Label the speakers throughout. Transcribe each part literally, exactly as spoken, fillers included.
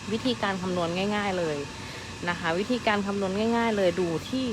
Speaker 1: วิธีการคำนวณง่ายๆเลยนะคะวิธีการคำนวณง่ายๆเลยดูที่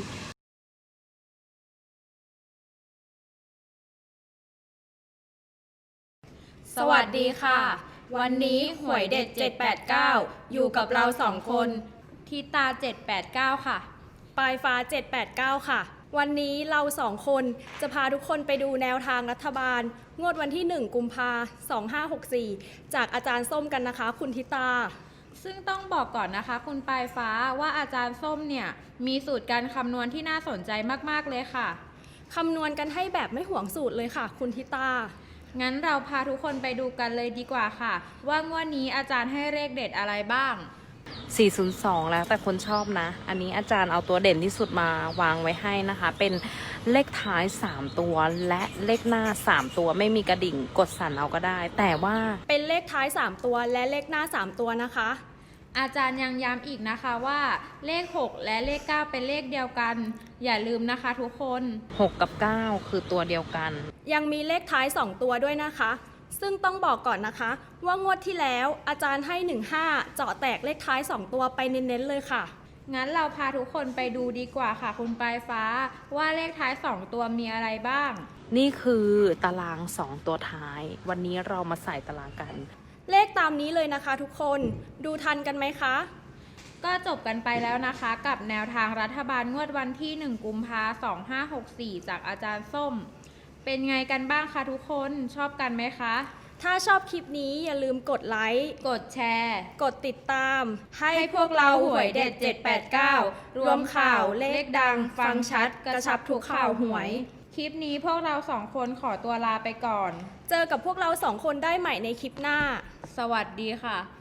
Speaker 2: สวัสดีค่ะวันนี้หวยเด็ดเจ็ดแปดเก้าอยู่กับเราสองคนทิตาเจ็ดแปดเก้าค่ะ
Speaker 3: ปลายฟ้าเจ็ดแปดเก้าค่ะวันนี้เราสองคนจะพาทุกคนไปดูแนวทางรัฐบาลงวดวันที่หนึ่งกุมภาพันธ์สองห้าหกสี่จากอาจารย์ส้มกันนะคะคุณทิตา
Speaker 2: ซึ่งต้องบอกก่อนนะคะคุณปลายฟ้าว่าอาจารย์ส้มเนี่ยมีสูตรการคำนวณที่น่าสนใจมากๆเลยค่ะ
Speaker 3: คำนวณกันให้แบบไม่ห่วงสูตรเลยค่ะคุณทิตา
Speaker 2: งั้นเราพาทุกคนไปดูกันเลยดีกว่าค่ะว่างวดนี้อาจารย์ให้เลขเด็ดอะไรบ้าง
Speaker 1: สี่ศูนย์สองแล้วแต่คนชอบนะอันนี้อาจารย์เอาตัวเด่นที่สุดมาวางไว้ให้นะคะเป็นเลขท้ายสามตัวและเลขหน้าสามตัวไม่มีกระดิ่งกดสั่นเอาก็ได้แต่ว่า
Speaker 3: เป็นเลขท้ายสามตัวและเลขหน้าสามตัวนะคะ
Speaker 2: อาจารย์ยังย้ำอีกนะคะว่าเลขหกและเลขเก้าเป็นเลขเดียวกันอย่าลืมนะคะทุกคน
Speaker 1: หกกับเก้าคือตัวเดียวกัน
Speaker 3: ยังมีเลขท้ายสองตัวด้วยนะคะซึ่งต้องบอกก่อนนะคะว่างวดที่แล้วอาจารย์ให้หนึ่งห้าเจาะแตกเลขท้ายสองตัวไปเน้นๆเลยค่ะ
Speaker 2: งั้นเราพาทุกคนไปดูดีกว่าค่ะคุณปลายฟ้าว่าเลขท้ายสองตัวมีอะไรบ้าง
Speaker 1: นี่คือตารางสองตัวท้ายวันนี้เรามาใส่ตารางกัน
Speaker 3: เลขตามนี้เลยนะคะทุกคนดูทันกันไหมคะ
Speaker 2: ก็จบกันไปแล้วนะคะกับแนวทางรัฐบาลงวดวันที่หนึ่งกุมภาพันธ์สองห้าหกสี่จากอาจารย์ส้มเป็นไงกันบ้างคะทุกคนชอบกันไหมคะ
Speaker 3: ถ้าชอบคลิปนี้อย่าลืมกดไลค์
Speaker 2: กดแชร์
Speaker 3: กดติดตาม
Speaker 2: ให้พวกเราหวยเด็ดเจ็ดแปดเก้ารวมข่าวเลขดังฟังชัดกระชับทุกข่าวหวยคลิปนี้พวกเราสองคนขอตัวลาไปก่อน
Speaker 3: เจอกับพวกเราสองคนได้ใหม่ในคลิปหน้า
Speaker 2: สวัสดีค่ะ